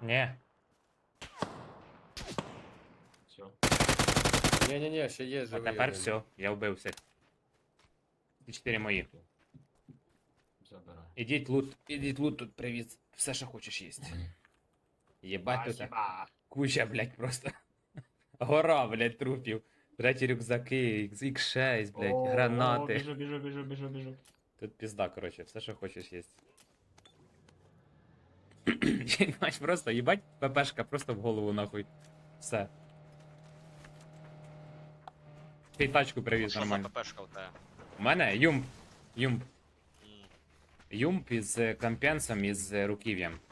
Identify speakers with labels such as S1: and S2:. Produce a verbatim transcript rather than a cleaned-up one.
S1: Ні.
S2: Все.
S3: Ні-ні-ні, ще є
S1: А
S3: живий.
S1: тепер
S3: один.
S1: все, я вбив всіх. Ці чотири мої.
S2: Забирай.
S1: Ідіть лут, ідіть лут тут привіз. Все, що хочеш їсти. Єбать тут.
S2: Спасибо.
S1: Куча, блядь, просто. Гора, блядь, трупів. Треті рюкзаки, ікс шість, блядь,
S2: О,
S1: гранати.
S2: Біжу, біжу, біжу, біжу, біжу.
S1: Тут пізда, короче, все, що хочеш їсть. Єбать, просто, їбать, ППшка просто в голову нахуй. Все. Ти тачку привіз
S4: Що за
S1: нормально.
S4: ППшка у тебе?
S1: У мене юмп. Юмп.
S4: М,
S1: Юмп із е, компенсом із е, руків'ям.